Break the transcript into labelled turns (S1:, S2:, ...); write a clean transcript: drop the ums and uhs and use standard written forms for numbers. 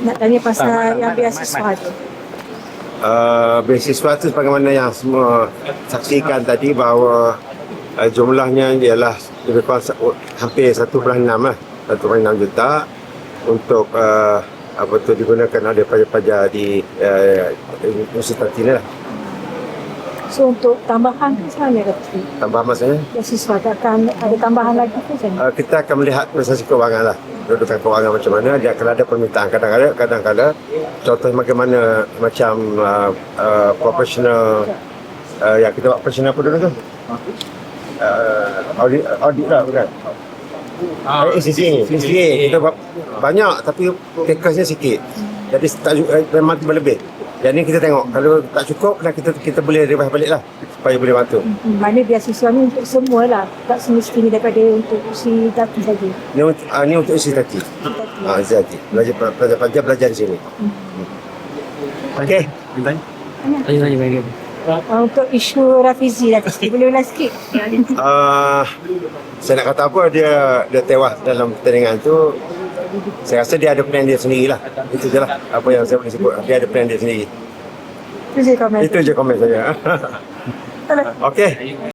S1: Nak tanya pasal yang beasiswa tu.
S2: Beasiswa itu sebagaimana yang semua saksikan tadi bahawa jumlahnya ialah lebih kurang hampir 1.6 lah, 1.6 juta untuk apa tu digunakan oleh pelajar-pelajar di universiti ini lah.
S1: So untuk tambahan misalnya kata
S2: Tambah maksudnya
S1: beasiswa takkan ada tambahan lagi ke macam mana?
S2: kita akan melihat proses keuangan lah, kedudukan keuangan macam mana. Dia akan ada permintaan kadang-kadang contoh bagaimana macam profesional yang kita buat profesional apa dulu tu, audit lah bukan, CCA kita buat banyak tapi tekasnya sikit, jadi memang berlebih. Jadi kita tengok kalau tak cukup kita boleh revive balik lah supaya boleh bantu.
S1: Mana beasiswa ni untuk semua lah, tak semestinya daripada untuk usi tati saja.
S2: Ni untuk isi tati. Isi tati. Pelajar belajar di sini. Okey.
S3: Tanya.
S1: Untuk isu Rafizi lah, boleh ulang sikit?
S2: Saya nak kata apa, dia tewas dalam pertandingan tu. Saya rasa dia ada plan dia sendirilah. Itu je lah apa yang saya boleh sebut. Dia ada plan dia sendiri.
S1: Itu je komen.
S2: Itu je komen saya. Okey.